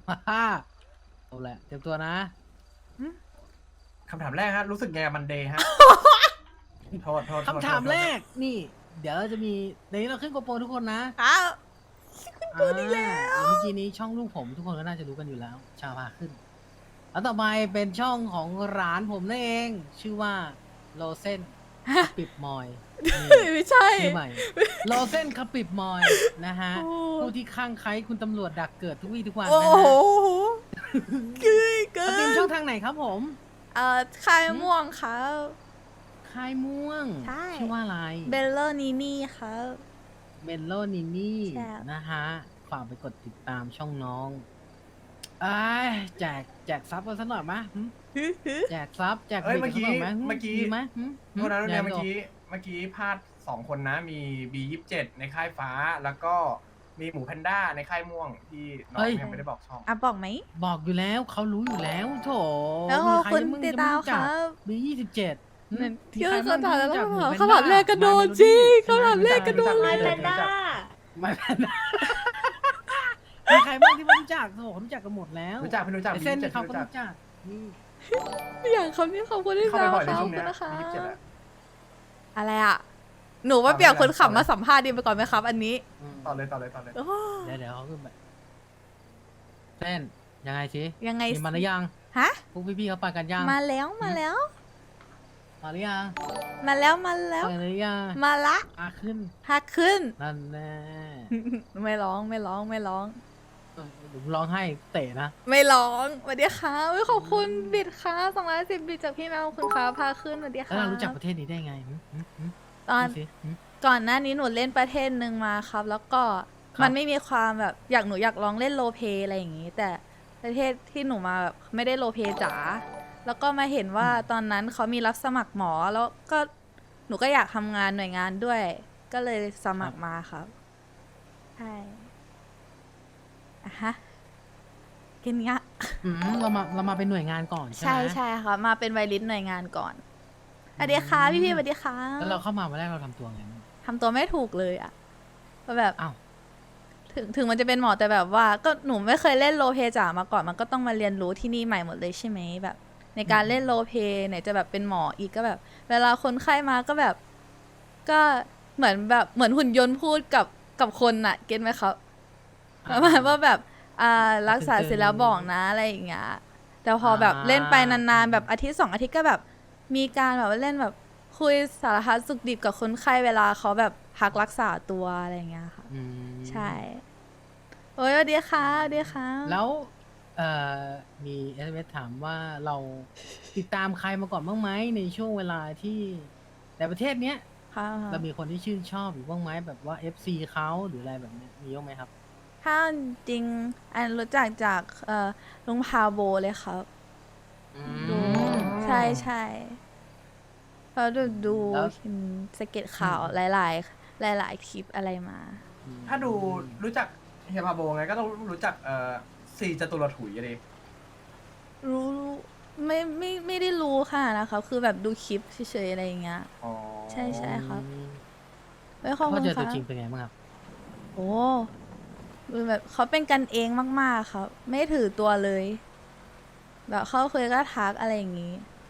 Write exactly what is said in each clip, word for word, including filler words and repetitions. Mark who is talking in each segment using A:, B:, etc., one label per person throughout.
A: ฮ่าเอาแหละเตรียมตัวนะ
B: คำถามแรกฮะรู้สึกไงกับมันเดย์ฮะ โทษโทษโทษ
A: คำถาม
B: โทษ
A: แรกนี่ เดี๋ยวจะมีในนี้เราขึ้นโกโปรทุกคนนะ
C: อ้าว
A: อ่าเมื่อกี้นี้ช่องลูกผมทุกคนก็น่าจะรู้กันอยู่แล้ว ชาพาขึ้น แล้วต่อไปเป็นช่องของร้านผมนั่นเอง ชื่อว่าโลเซนปิบมอยนี่
C: ไม่ใช่
A: ชื่อใหม่โลเซนคาปิบมอยนะฮะ
C: โอ้
A: ผู้ที่ข้างใครคุณตำรวจดักเกิดทุกวี่ทุกวัน
C: โอ้
A: นะ
C: โห
A: ฮะ
C: เกินเกิ
A: สตรีม
C: น
A: ช่องทางไหนครับผม
C: เอ่อคายม่วงครับ
A: ค่ายม่วง
C: ใช่
A: ชื่อว่าอะไร
C: เบลเลอร์นีนี่ครับ
A: เมนโลนินี่
C: ใช่
A: นะฮะ ฝากไปกดติดตามช่องน้องไอ้ายแจกแจกซับกันสักหน่อยไหมยหึแจกซับแจก
B: เอ้ย
A: บิ
B: เมื่อกี้
A: สัหน่ยไหหึ
B: เมื่อกี้
A: ดีไหมหึ
B: โทษนะ
A: หึ
B: เนี่ย
A: ดี๋
B: เมื่
A: ว
B: อกี้เมื่อกี้พลาดสองคนนะ มี บี ยี่สิบเจ็ด ในค่ายฟ้า แล้วก็มีหมูแพนด้าในค่ายม่วงที่น้องยังไม่ได้บอกช่อง
C: อ่ะบอกไหม
A: บอกอยู่แล้วเขารู้อยู่แล้วโถ
C: แล้ว
A: มีใคร
C: คุณ
A: มึง
C: ติด
A: จะ
C: ตาม
A: ไรู้จัก
C: ครับ
A: บียี่สิบเจ็ด
C: นั่น
A: มี
C: ที่
A: ใคร
C: เขาถามแล้ว
A: บ้งที่รู้จั
C: เขา
A: หมู
C: ถาม
A: แพนด้
C: แรกกระโดดจริงเขาถามแรกกระโดด
B: ไม่
C: เลย
B: รู้จัก
A: ไม่แพนด้ามีใครบ้างที่ไม่รู้จักโถเขารู้จักกันหมดแล้ว
B: รู้จักพี่รู้จัก
A: ไอ้
B: บี
A: เส้น
B: ยี่สิบเจ็ด
A: เขาก็
B: รู้จัก
A: รู้จักนี่
C: อย่างคำนี้ขอบคุณที่
B: เข้าไป
C: ตาม
B: บ่อยใน
C: ข
B: ช่
C: อ
B: ว
C: บ
B: ง
C: คุ
B: เนี้
C: ณ
B: ย
C: นะคะ
B: บียี่สิบเจ็ดอะ
C: อะไรอ่ะ หนูว่าเปลี่ยนคนขับมาสัมภาษณ์ดีไปก่อนไหมครับ อันนี้
A: อืม
B: ต่อเลยต่อเลยต่อเลย
C: โอ้
A: เดี๋ยวเดี๋ยวเขาขึ้นไปเส้นยังไงสิ
C: ยังไง
A: มีมาหรือยัง
C: ฮะ
A: พวกพี่ๆเขาไปกันยัง
C: มาแล้วมาแล้ว
A: มาหรือยัง
C: มาแล้วมาแล้ว
A: ไปหรือยัง
C: มาละ
A: อาขึ้น
C: ฮักขึ้น
A: นั่นแน่
C: ไม่ร้องไม่ร้องไม่ร้อง
A: เออผมร้องให้เตะนะ
C: ไม่ร้องสวัสดีค่ะอุ๊ยขอบคุณบิดค่ะสองร้อยสิบบิดจากพี่แมวขอบคุณค่ะพาขึ้นสวัสดี
A: แล้ว
C: ค่ะ
A: เรารู้จักประเทศนี้ได้ไงหึหึหึ
C: ตอน
A: ดูสิหึ
C: ก่อนหน้านี้หนูเล่นประเทศหนึ่งมาครับ แล้วก็
A: ครับ
C: มันไม่มีความแบบอยากหนูอยากลองเล่นโรลเพลย์อะไรอย่างงี้ แต่ประเทศที่หนูมาแบบไม่ได้โรลเพลย์จ๋าแล้วก็มาเห็นว่าตอนนั้นเขามีรับสมัครหมอแล้วก็หนูก็อยากทำงานหน่วยงานด้วย ก็เลยสมัครมาครับใช่อะฮะกินเงี้ย
A: อืมเรามาเรามาเป็นหน่วยงานก่อนใช่ไหม
C: ใช่ใช่ค่ะมาเป็นไวริสหน่วยงานก่อนสวัสดีค่ะพี่พี่ๆสวัสดีค่ะ
A: แล้วเราเข้ามาวันแรกเราทำตัวไงบ้าง
C: ทำตัวไม่ถูกเลยอะก็แบบ
A: อ้าว
C: ถึงถึงมันจะเป็นหมอแต่แบบว่าก็หนูไม่เคยเล่นโรลเพลย์จ๋ามาก่อนมันก็ต้องมาเรียนรู้ที่นี่ใหม่หมดเลยใช่ไหมแบบ ในการเล่นโรลเพลย์ไหนจะแบบเป็นหมออีกก็แบบ เวลาคนไข้มาก็แบบ ก็เหมือนแบบเหมือนหุ่นยนต์พูดกับกับคนน่ะเก็ตไหมครับประมาณว่าแบบอ่ารักษาเสร็จแล้วบอกนะอะไรอย่างเงี้ยแต่พอแบบเล่นไปนานๆแบบอาทิตย์สองอาทิตย์ก็แบบ มีการแบบว่าเล่นแบบคุยสารพัดสุขดิบกับคนไข้เวลาเขาแบบพักรักษาตัวอะไรอย่างเงี้ยค่ะ
A: อืม
C: ใช่ โอ้ยสวัสดีค่ะสวัสดีค่ะ
A: แล้วเอ่อมีเอสเอถามว่าเราติดตามใครมาก่อนบ้างไหมในช่วงเวลาที่ในประเทศเนี้ย
C: ค่ะ
A: เรามีคนที่ชื่นชอบอยู่บ้างไหมแบบว่า เอฟ ซี เขาหรืออะไรแบบเนี้ยมีบ้างไหมครับ
C: ถ้าจริงอันรู้จักจากเอ่อลุงพาโบเลยครับ ดู ใช่ใช่เพราะดูดู
A: แล้ว
C: เห็นสเก็ตข่าวหลาย ๆ หลาย ๆ คลิปอะไรมา
B: ถ้าดูรู้จักเฮียพาโบไงก็ต้องรู้จักเอ่อซีจตุรถุยอะดิ
C: รู้รู้ไม่ไม่ไม่ได้รู้ค่ะนะคะคือแบบดูคลิปเฉยๆอะไรอย่างเงี้ย
B: อ๋อ
C: ใช่ใช่ ครับ
A: อืม
C: ไม่ขอบ
A: พ
C: คุ
A: อ
C: ณ
A: เจอ
C: ค่ะ
A: ตัวจริงเป็นไงบ้างครับ
C: โอ้ดูแบบเขาเป็นกันเองมาก ๆ ครับ ไม่ถือตัวเลย แบบเขาเคยก็ทักอะไรอย่างงี้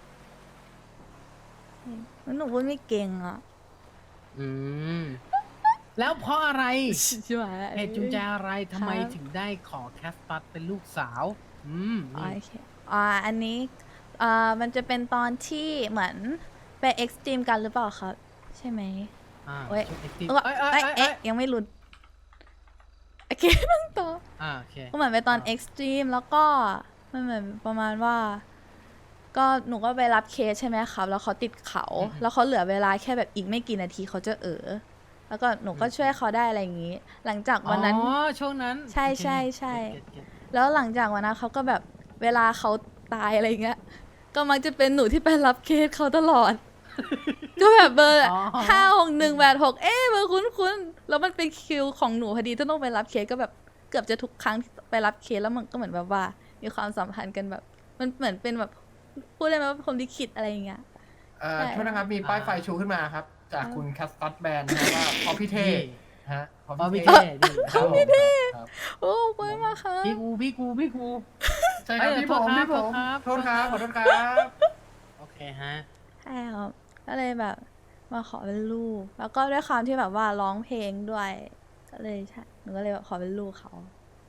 C: แล้วหนูพูดไม่เก่งอ่ะ
A: อืม แล้วเพราะอะไร
C: ใช่ไหม
A: เหตุจูงใจอะไรทำไม
C: ครับ
A: ถึงได้ขอแคสปัสเป็นลูกสาว อืม
C: อ๋อ
A: นี่
C: โอเคอ่าอันนี้อ่ามันจะเป็นตอนที่เหมือนไปเอ็กซ์ตรีมกันหรือเปล่าครับ ใช่ไหม
A: อ่า
C: เว้ย
A: ช่วง active
C: เออ
A: เอ้ยเอ้ย
C: เอ้ย
A: เอ้ยเอ้
C: เอ๊ะ
A: ย
C: ยังไม่หลุดโอเค นั่งต่อ
A: อ่าโอเค
C: ก็เหมือนไปตอน
A: อ่า
C: เอ็กซ์ตรีมแล้วก็มันเหมือนประมาณว่า ก็หนูก็ไปรับเคสใช่ไหมครับ แล้วเขาติดเขา แล้วเขาเหลือเวลาแค่แบบอีกไม่กี่นาทีเขาจะเออแล้วก็หนูก็ช่วยเขาได้อะไรอย่างนี้ หลังจากวันนั้น
A: อ๋อ ช่วงนั้น
C: ใช่
A: โอเค
C: ใช่ใช่
A: เก็ตเก็ตเก็ต
C: แล้วหลังจากวันนั้นเขาก็แบบเวลาเขาตายอะไรอย่างเงี้ย ก็มักจะเป็นหนูที่ไปรับเคสเขาตลอด ก็แบบเบอร์
A: อ๋อ
C: ห้าหกหนึ่งแปดหกเอ๊ะเบอร์คุ้นคุ้นๆแล้วมันเป็นคิวของหนูพอดีที่ต้องไปรับเคสก็แบบเกือบจะทุกครั้งที่ไปรับเคสแล้วมันก็เหมือนแบบว่า มีความสัมพันธ์กันแบบ มันเหมือนเป็นแบบพูดได้ไหมว่าพรหมลิขิตอะไรอย่างเงี้ย
B: เอ่อ
C: ใช่
B: โทษนะครับมีป้ายไฟชูขึ้นมาครับ จากคุณแคสตัสแบนนะครับว่าพอพี่เท
A: นี่
B: ฮะเพราะ
A: เพราะพี่
B: พี่
A: เท่ดี
B: ครับผมครับ
C: โอ้ขอบคุณมากค่ะ
A: พี่กูพี่กูพี่กู
B: ใช่ครับ
A: เอ้ย
B: พี่ผม
A: โทษครับ
B: พี่ผม
A: โทษครับ
B: โทษครับขอโทษครับ
A: โอเคฮะ
C: ใช่ครับก็เลยแบบมาขอเป็นลูก แล้วก็ด้วยความที่แบบว่าร้องเพลงด้วย ก็เลยใช่หนูก็เลยแบบขอเป็นลูกเขา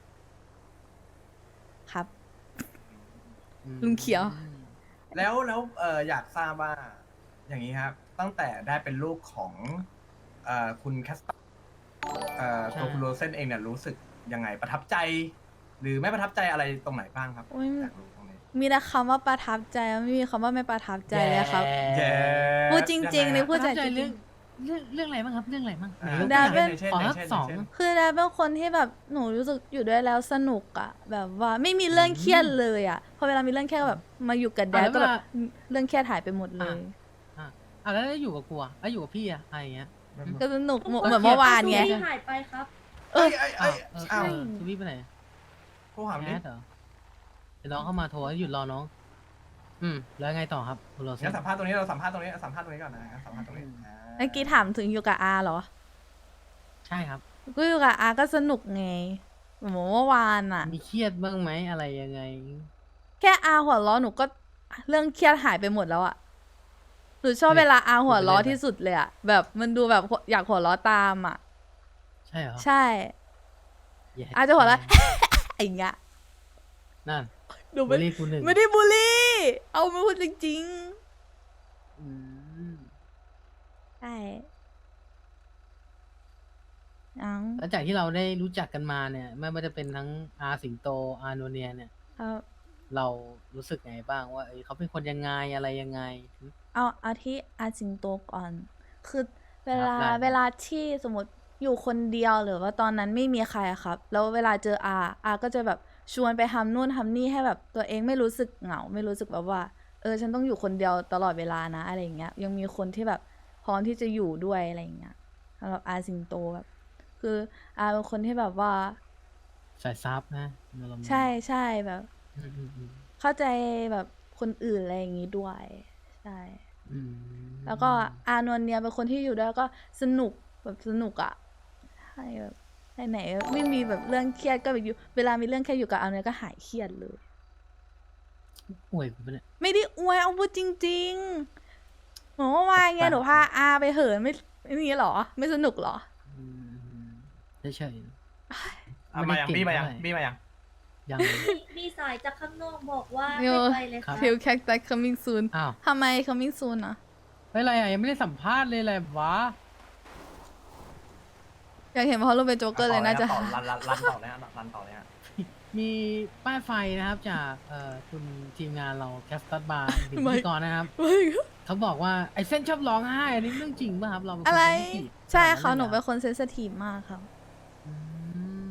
C: ครับ ลุงเขียว
B: แล้วแล้วเอออยากทราบว่า อย่างนี้ครับ ตั้งแต่ได้เป็นลูกของเอ่อคุณแคสเอ่อ
A: ใช่
B: ตัวคุณโรเซนเองเนี่ยรู้สึกยังไงประทับใจ หรือไม่ประทับใจอะไรตรงไหนบ้างครับ
C: โอ้ย
B: อยากรู้ตรงนี้
C: มีแต่คำว่าประทับใจไม่มีคำว่าไม่ประทับใจเลยครับ
B: แย่
C: พูดจริงๆ
B: ยั
C: นี่
B: ไฮะ
C: พูด
A: ประทับใจ
C: จริ
A: เรื่อง
C: ง
A: เรื่องเรื่องอะไรบ้างครับเรื่องอะไรบ้าง
B: อ่า
A: ไหนยก
C: ได้
A: ตัวอย่าง
C: เป็น
B: เช่น
A: ขอ
B: ใน
A: สัก
B: เช่น
A: สอง
B: ในเช่น
C: คือดาเป็นคนที่แบบหนูรู้สึกอยู่ด้วยแล้วสนุกอะแบบว่าไม่มีเรื่องเครียดเลยอะพอเวลามีเรื่องเครียดก็แบบมาอยู่กับแดด
A: อ่ะแล้ว
C: ก็แบบ
A: เวลา
C: เรื่องเครียดหายไปหมดเลย
A: อ่ะอ่ะแล้วอยู่กับกูอ่ะแล้วอยู่กับพี่อ่ะอะไรอย่างเงี้ย
C: ก็สนุกเหมือน
A: โอเค
C: เหมือนเมื่อวานไง
D: ที่หายไปครับ
C: เอ
B: เอ้
C: อ
B: ยเอ้ยเอ้ย
A: เออ
B: อ้าว
A: เออคือพี่ไปไหน
B: โทรหา
A: แอ
B: ดิ
A: ดเหรอเดี๋ยวน้องเข้ามาโทรให้หยุดรอน้อง อืมแล้วไงต่อครับคุณโรเซ
B: งั้
A: น
B: นสัมภาษณ์ตรงนี้เราสัมภาษณ์ตรงนี้สัมภาษณ์ตรงนี้ก่อนนะงั้นสัมภาษณ์ตรงนี้อ่า
C: เมื่อกี้ถามถึงอยู่กับอาเหรอ
A: ใช่ครับ
C: ก็อยู่กับอาก็สนุกไงเหมือนเมื่อวานอะ
A: มีเครียดบ้างไหมอะไรยังไง
C: แค่อาหัวล้อหนูก็เรื่องเครียดหายไปหมดแล้วอะหนูชอบเวลาอาหัวล้อที่สุดเลยอะแบบมันดูแบบอยากหัวล้อตามอะ
A: ใช่เหรอ
C: ใช่
A: แย่
C: อาจะหัวล้อ อย่างเงี้ย
A: นั่น
C: หนู
A: บุ
C: ไม่
A: รีกูหนึ่ง
C: ไม่ได้บูลลี่ เอามาพูดจริง
A: อืม
C: ๆ ใช่อัง
A: แล้วจากที่เราได้รู้จักกันมาเนี่ย ไม่ว่าจะเป็นทั้งอาสิงโตอาโนเนียเนี่ย
C: ครับ
A: เรารู้สึกไงบ้างว่าเอ้ยเขาเป็นคนยังไงอะไรยังไง
C: เอาเอาที่อาสิงโตก่อน คือเวลา
A: ครับได้
C: เวลาที่สมมติอยู่คนเดียวหรือว่าตอนนั้นไม่มีใครอะครับ แล้วเวลาเจออาอาก็จะแบบชวนไปทำนู่นทำนี่ให้แบบตัวเองไม่รู้สึกเหงา ไม่รู้สึกแบบว่า เออ ฉันต้องอยู่คนเดียวตลอดเวลานะอะไรอย่างเงี้ย ยังมีคนที่แบบพร้อมที่จะอยู่ด้วยอะไรอย่างเงี้ยสำหรับอาสิงโตแบบ คืออาเป็นคนที่แบบว่า
A: สายซับนะอารมณ์
C: ใช่ใช่แบบ
A: อืมอืมอืม
C: เข้าใจแบบคนอื่นอะไรอย่างงี้ด้วย ใช่
A: อืม
C: แล้วก็อานนท์เนี่ยเป็นคนที่อยู่ด้วยแล้วก็สนุกแบบสนุกอะใช่แบบไหนๆไม่มีแบบเรื่องเครียดก็แบบอยู่เวลามีเรื่องเครียดอยู่กับอานนท์ก็หายเครียดเลย
A: ป่วยกูปะเนี่ย
C: ไม่ได้อวยเอาพูดจริงๆหนูว่าวานไง
A: แปลกๆ
C: หนูพาอาไปเหินไม่ไม่นี่หรอ ไม่สนุกหรอ
A: อืมเฉย
B: อ่ะมายังบี้มายัง
A: เท่าไหร่
B: บี้มายัง
A: ๆยัง
D: มีมีสายจากข้างนอกบอกว่า
C: โย
D: ให้ไปเลย
A: ครั
D: ค่ะ
A: บ
C: Feel cactus coming soon
A: อ้าว
C: ทำไม coming soon อะ
A: เฮ้ยอะไรอ่ะยังไม่ได้สัมภาษณ์เลยอะไรวะ
C: อยากเห็นเพราะรูปเป็นโจ๊กเกอร์เลยน่าจะ
B: ต่อรันรันรันต่อเลยฮะรันต่อเลยฮะ
A: มีป้ายไฟนะครับจากเอ่อคุณทีมงานเราแคสตัสบาร์พิ
C: ไม่
A: ธีกรนะครับ เขาบอกว่าไอ้เส้นชอบร้องไห้อันนี้เรื่องจริงป่ะครับเราเป็นคน
C: อะไร
A: เซนซิทีฟ
C: ใช่ค่ะ
A: ขาด
C: หนู
A: ลย
C: เป็นคนเซนซิทีฟมากครับ
A: อืม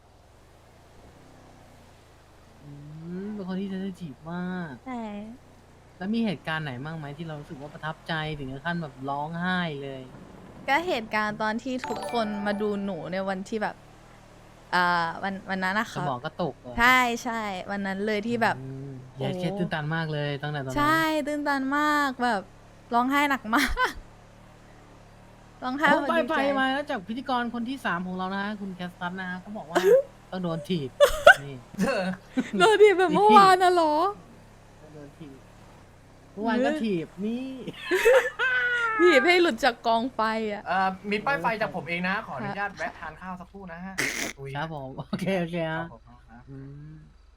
A: อืมเป็นคนที่เซนซิทีฟมาก
C: ใช่
A: แล้วมีเหตุการณ์ไหนบ้างไหมที่เรารู้สึกว่าประทับใจถึงขั้นแบบร้องไห้เลย
C: ก็เหตุการณ์ตอนที่ทุกคนมาดูหนูในวันที่แบบอ่าวันวันนั้นนะ
A: ส
C: คะ
A: มองก็ตกเหรอ
C: ใช่ใช่วันนั้นเลยที่แบบ
A: อืมอย่า
C: โอ้
A: เคสตื่นตันมากเลยตั้งแต่ตอนนั้น
C: ใช่ตื่นตันมากแบบร้องไห้หนักมาก ร้องไห้
A: โอ้
C: แบบ
A: ไป
C: ดี
A: ไป
C: ใจ
A: มาแล้วจากพิธีกรคนที่สามของเรานะฮะคุณแคสตัสนะฮะเขาบอกว่า ต้องโดนถีบนี่
C: โดนทีแบบเมื่อวานน่ะเหรอ
A: ต้องโดนถีบเมื่อวานก็ถีบนี่
C: ถีบให้หลุดจากกองไฟอ่ะ
B: เอ่อมีป้ายไฟจากผมเองนะ ขออนุญาตแวะทานข้าวสักครู่นะฮะตุย
A: ครับผมโอเคโอเค
B: ครั
A: ฮะ
B: บผมครับ
A: อืม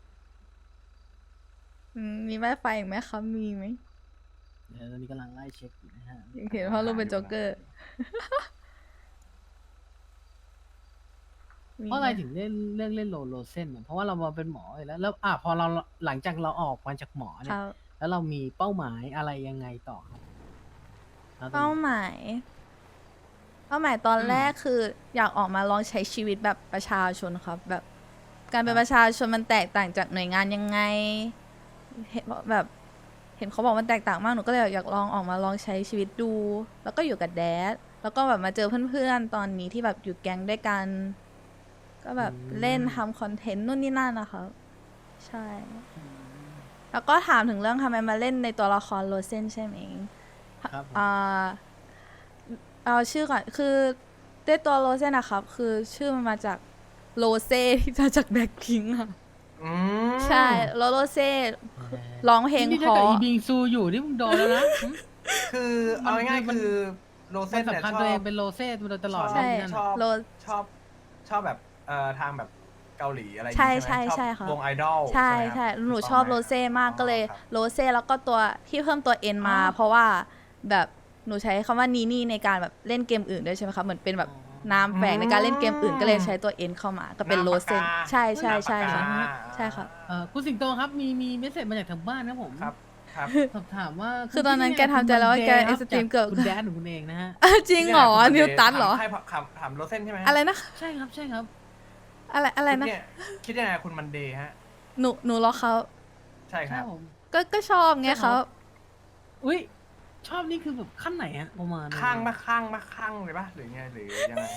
C: อืมมีแม่ไฟอีกไหมคะมีไหม
A: เดี๋ยวตอนนี้กำลังไล่เช็คอยู่นะฮะ
C: อยากเห็นเพราะรูปเป็นโจ๊กเกอร์ มี
A: เพราะอะไร
C: หม
A: ถึงเล่นเรื่องเล่นโลโลเซนเนี่ยเพราะว่าเรามาเป็นหมออยู่แล้วแล้วอ่ะพอเราหลังจากเราออกมาจากหมอเนี่
C: ค
A: ย
C: รับ
A: แล้วเรามีเป้าหมายอะไรยังไงต่อครับแล้วตอน
C: เป้า
A: นี้
C: หมาย เป้าหมายตอน
A: อืม
C: แรกคืออยากออกมาลองใช้ชีวิตแบบประชาชนครับ แบบการเป็นประชาชนมันแตกต่างจากหน่วยงานยังไงเห็นแบบ เห็นเขาบอกมันแตกต่างมากหนูก็เลยอยากลองออกมาลองใช้ชีวิตดู แล้วก็อยู่กับแดดแล้วก็แบบมาเจอเพื่อนๆตอนนี้ที่แบบอยู่แก๊งด้วยกัน ก็แบบเล่นทำคอนเทนต์นู่นนี่นั่นนะคะใช่ แล้วก็ถามถึงเรื่องทำไมมาเล่นในตัวละครโรเซนใช่ไหม
A: ครับผม
C: อ่าเอาชื่อก่อนคือด้วยตัวโรเซ่นะครับ คือชื่อมันมาจากโรเซ่ที่มาจากแบล็คพิงค์อะ
B: อืม
C: ใช่แล้วโรเซ่ร้องเพลง
A: นี่
C: เพ
A: ถ้าเกิด
C: ราะ
A: อีบิงซูอยู่นี่มึงโดนแล้วนะหึ
B: คือเอาง่ายๆคือโร
A: มั
B: เซ่
A: น
B: เนี่ย
A: สำคัญ
B: ชอ
A: ตัวเอง
B: บ
A: เป็นโรเซ่มาโดยตลอด
B: ชอบ
C: ใช่
A: นั่น
B: ช
A: น่ะ
B: อบ
C: โร
B: ชอบชอบแบบเอ่อทางแบบเกาหลีอะไรอย่าง
C: ใช่
B: งี้ใช่ไหม
C: ใช่
B: ชอบ
C: ใช่ค่ะ
B: วงไอดอล
C: ใช่
B: ไหมค
C: ใช่
B: รับ
C: หนู
B: ถูกต้ง
C: ชอบ
B: ไหม
C: โรเซ่มากก็เลย
B: ครับ
C: โรเซ่แล้วก็ตัวที่เพิ่มตัวเอ็นมา เพราะว่าแบบหนูใช้คำว่านีนี่ในการแบบเล่นเกมอื่นด้วยใช่ไหมคะเหมือนเป็นแบบนามแฝงในการเล่นเกมอื่นก็เลยใช้ตัวเอ็นเข้ามาก็เป็นโรเซ่
B: นามปากกา
C: ใช่ใช่ใช่
B: นามปาก
C: ค่ะ
B: กา
C: ใช่ครับ
A: เอ่อคุณสิงโตครับมีมีเมสเซจมาจากทางบ้านนะผม
B: ครับครับ
A: สอบถามว่า
C: คือตอนนั้น
A: ณ
C: แกทำใจแล้วว่าแก
A: คุณ
C: extreme เกือบ
A: คุณแดนของคุณเองนะฮะ
C: อ้าวจริงเหรอนิวตันเหรอ
B: ใครถามถามโรเซ่นใช่ไหมฮ
C: อะไรนะ
A: ใช่ครับใช่ครับ
C: อะไรอะไรนะ
B: คิดเยคิดยังไงกับคุณมันเดย์ฮะ
C: หนูหนูรอเขา
B: ใช่ค
A: ใช่
B: รับ
A: ผม
C: ก็ก็ชอบไง
A: ใช่ครั
C: เขา
A: บ อุ้ยชอบนี่คือแบบขั้นไหนอะประมาณ
B: ข้างมาข้างมาข้างเลยปะหรือไงหรือยังไง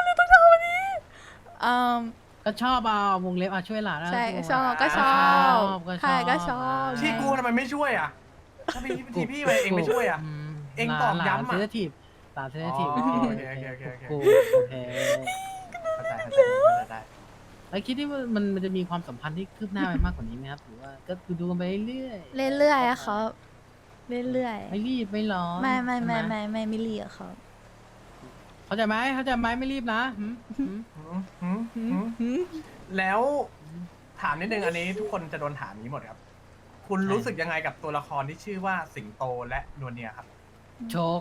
C: อืม
A: ก็ชอบเอาวงเล็บอ่ะช่วยหลาน
C: ใช่
A: ตัว
C: ชอบก็ชอบ
A: ก็ช
C: ใช่
A: อบ
C: ก็ชอบ
B: ที่กูทำไมไม่ช่วยอ่ะถ้าพี่ทีพี่ไปเองไม่ช่วยอ่ะ
A: ม
B: เองตอบย้ำอะ
A: หลานเซนซิทีฟหลานเซนซิทีฟ
B: อ๋อโอเคโอเคโอเคโอเค
A: กูโอเค
B: เข้าใจเข้าใจเข้าใจได้
A: แล้วคิดว่ามันมันจะมีความสัมพันธ์ที่คืบหน้าไปมากกว่านี้ไหมครับหรือว่าก็ดูกันไปเรื่อยๆ
C: เรื่อยๆอะครับเรื่อย
A: ไม่รีบไม่ร้อน
C: ๆไม่ไม่ไม่
A: ใช่ห
C: ไม่ไม่ไม่เรียกครับ
A: เข้าใจไหมเข้าใจไหมไม่รีบนะหืมหืม
B: หืมหืมหืมแล้วถามนิดนึงอันนี้ทุกคนจะโดนถามนี้หมดครับ คุณรู้สึกยังไงกับตัวละครที่ชื่อว่าสิงโตและนวลเนียครับ
A: โชค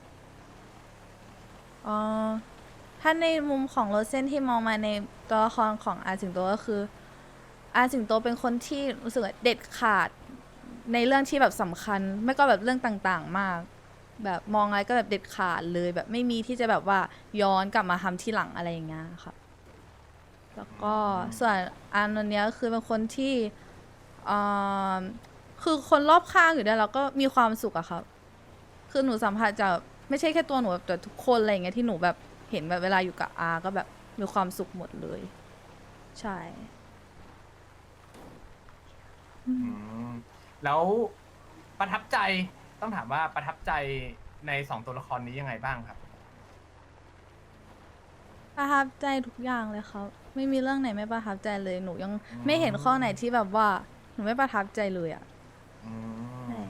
C: อ๋อถ้าในมุมของโรเซนที่มองมาในตัวละครของอาสิงโตก็คืออาสิงโตเป็นคนที่รู้สึกว่าเด็ดขาดในเรื่องที่แบบสำคัญ ไม่ก็แบบเรื่องต่างๆมาก แบบมองอะไรก็แบบเด็ดขาดเลยแบบไม่มีที่จะแบบว่าย้อนกลับมาทำที่หลังอะไรอย่างเงี้ยค่ะแล้วก็ส่วนอานนท์เนี้ยก็คือเป็นคนที่อ่าคือคนรอบข้างอยู่ด้วยแล้วก็มีความสุขอะครับคือหนูสัมผัสจากไม่ใช่แค่ตัวหนูแบบแต่ทุกคนอะไรอย่างเงี้ยที่หนูแบบเห็นแบบเวลาอยู่กับอาก็แบบมีความสุขหมดเลย ใช่
B: อืมแล้วประทับใจต้องถามว่าประทับใจในสองตัวละครนี้ยังไงบ้างครับ
C: ประทับใจทุกอย่างเลยครับ ไม่มีเรื่องไหนไม่ประทับใจเลยหนูยัง
B: อืม
C: ไม่เห็นข้อไหนที่แบบว่าหนูไม่ประทับใจเลยอ่ะ
B: อื
C: ใช่
B: ม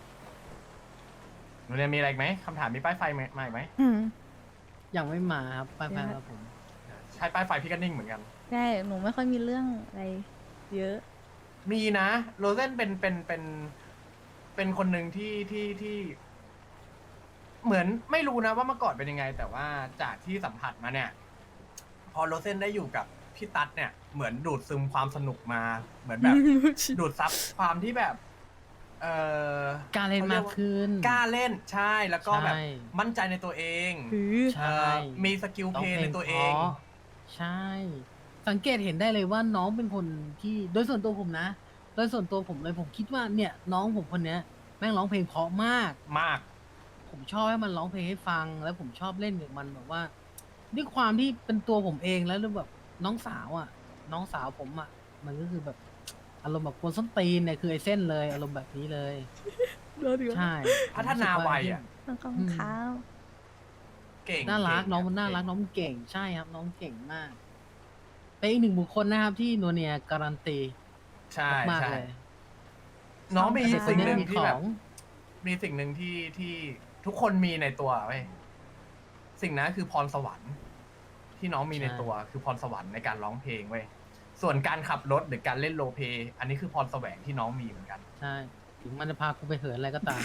B: หนูเรียนมีอะไรอีกไหมคำถามมีป้ายไฟไหมมาอีกไหม
C: อืม
A: ยังไม่มาครับไปไปครับผม
B: ใช้ป้ายไฟพี่ก็นิ่งเหมือนกัน
C: ใช่หนูไม่ค่อยมีเรื่องอะไรเยอะ
B: มีนะโรเซนเป็นเป็นเป็นเป็นคนหนึ่งที่ที่ที่ เหมือนไม่รู้นะว่าเมื่อก่อนเป็นยังไง แต่ว่าจากที่สัมผัสมาเนี่ย พอโรเซนได้อยู่กับพี่ตั๊ดเนี่ยเหมือนดูดซึมความสนุกมา เหมือนแบบ ดูดซับความที่แบบ เออก
A: ล้าเล่นมากขึ้น
B: กล้าเล่นใช่แล้วก็แบบ
A: ใช่
B: มั่นใจในตัวเอง
A: ใช่
B: เอ่อมีสกิลเพลย์ในตัวเอง
A: พราะใช่ สังเกตเห็นได้เลยว่าน้องเป็นคนที่โดยส่วนตัวผมนะ โดยส่วนตัวผมเลยผมคิดว่าเนี่ย น้องผมคนเนี้ยแม่งร้องเพลงเพราะมาก
B: มาก
A: ผมชอบให้มันร้องเพลงให้ฟัง แล้วผมชอบเล่นกับมันแบบว่า ด้วยความที่เป็นตัวผมเองแล้วแบบน้องสาวอ่ะ น้องสาวผมอ่ะ มันก็คือแบบอารมณ์แบบกวนส้นตีนเนี่ยคือไอ้เส้นเลยอารมณ์แบบนี้เลย ใช่
B: พัฒนาวัยอะ
C: ต้องขอบ
A: อื
C: คุณ
A: ม
C: ครับ
B: เก่ง
A: น่ารัก
B: เก่
A: น้องมันน่ารัก
B: เง
A: น้องมันเก่งใช่ครับ น้องเก่งมากเป็นอีกหนึ่งบุคคลนะครับที่นัวเนียการันตี
B: ใช่
A: มากๆ
B: ใช่
A: เลย
B: น้องมี
C: เด็กคน
B: สิ่ง
C: นี้
B: หนึ่ง
A: มี
B: ที่
A: ข
B: แบ
A: อบ ง
B: มีสิ่งหนึ่งที่ที่ทุกคนมีในตัวเว้ยสิ่งนั้นคือพรสวรรค์ ที่น้องมีในตัวคือพรสวรรค์ในการร้องเพลงเว้ยส่วนการขับรถหรือการเล่นโรลเพลย์อันนี้คือพรแสวงที่น้องมีเหมือนกัน
A: ใช่ ถึงมันจะพากูไปเหินอะไรก็ตาม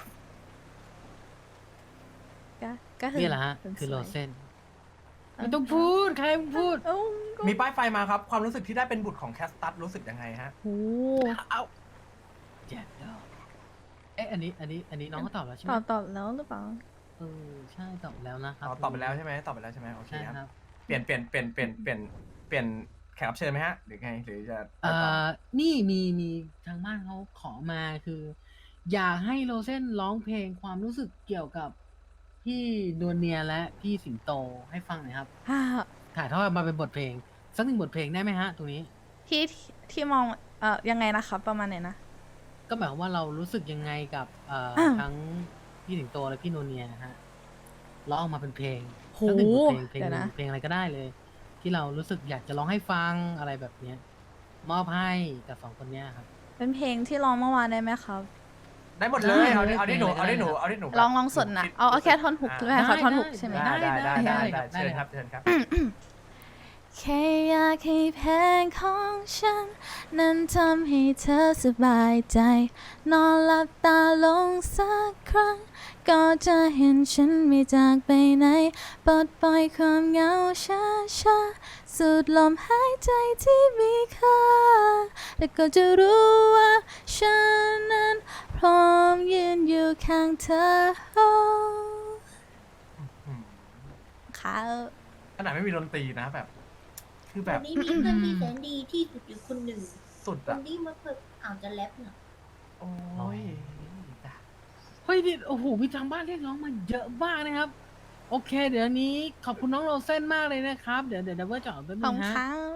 C: ก็ก็คือ
A: นี่แหละฮะ
C: คน
A: คือ
C: ส
A: โร
C: วย
A: เซนไม่ต้องพูด ใครมึงพูด
C: เอ้าก็
B: มีป้ายไฟมาครับ ความรู้สึกที่ได้เป็นบุตรของแคสตัสรู้สึกยังไงฮะ
C: โอ้
A: เอาแจ็คดอกเอ๊ะอันนี้ อันนี้ อันนี้น้องเขาตอบแล้วใช่ไห
C: ต
A: ม
C: อบตอบแล้วหรือเปล่า
A: เออใช่ตอบแล้วนะครั
B: ตอบตอบไปแล้วใช่ไหมตอบไปแล้วใช่ไหมโอเค
A: ใช่
B: ครับ
A: ครับ
B: เปลี่ยนเปลี่ยนเปลี่ยนเปลี่ยนเปลี่ยนเปลี่ยนแขกรับเชิญไหมฮะหรือไงหรือจะไป
A: เอ่
B: ต่อ
A: อนี่มีมีทางบ้านเขาขอมาคือ อยากให้โรเซนร้องเพลงความรู้สึกเกี่ยวกับพี่นวลเนียและพี่สิงโตให้ฟังหน่อยครับ
C: ฮ่า
A: ถ่ายทอดมาเป็นบทเพลง สักหนึ่งบทเพลงได้ไหมฮะ ตรงนี้
C: ที่ที่ที่มองเอ่อยังไงนะครับประมาณไหนนะ
A: ก็หมายความว่าเรารู้สึกยังไงกับเอ่อ
C: อ่า
A: ทั้งพี่สิงโตและพี่นวลเนียนะฮะร้องออกมาเป็นเพลง
C: โห
A: สักหนึ่งบทเพลงเพลง
C: เดี๋ยว
A: หนึ่
C: นะ
A: งเพลงอะไรก็ได้เลย ที่เรารู้สึกอยากจะร้องให้ฟังอะไรแบบเนี้ยมอบให้กับสองคนเนี้ยครับ
C: เป็นเพลงที่ร้องเมื่อวานได้ไหมครับ
B: ได้หมดเลยเอาดิเอาดิหนูเอาดิหนูเอาดิหนู
C: ลองลองสดนะเอาเอาแค่ท่อนฮุก
B: อ่า
C: ใช่ไหมขอท่อนฮุกใช่ไหม
B: ได้ได้ได้ได้
A: ได้
B: ได้
A: ได้
B: เชิญครับเชิญครับ
C: แค่อยากให้เพลงของฉัน นั้นทำให้เธอสบายใจ นอนหลับตาลงสักครั้ง ก็จะเห็นฉันไม่จากไปไหนปลดปล่อยความเหงาช้าช้าๆสูดลมหายใจที่มีค่า แล้วก็จะรู้ว่าฉันนั้นพร้อมยืนอยู่ข้างเธอค่ะ
B: ขนาดไม่มีดนตรีนะแบบ คือแบ
D: วั
B: บ
D: นนี้มีเพื่อนที่แสนดีที่สุดอยู่คนหนึ่ง
B: สุด
D: ค
B: อะ
D: นที่มาเพิ่งอ่านจะแรปเน่ะ
B: โอ้ย
A: เฮ้ยนี่โอ้โหมีทางบ้านเรียกร้องมาเยอะมากนะครับ โอเค เดี๋ยวนี้ขอบคุณน้องโรเซนมากเลยนะครับ เดี๋ยวเดี๋ยวดับเบิลจอดแป๊บ
C: ขอ
A: นึ
C: บ
A: ง
C: คุณ
A: ฮะ
C: ค่ะ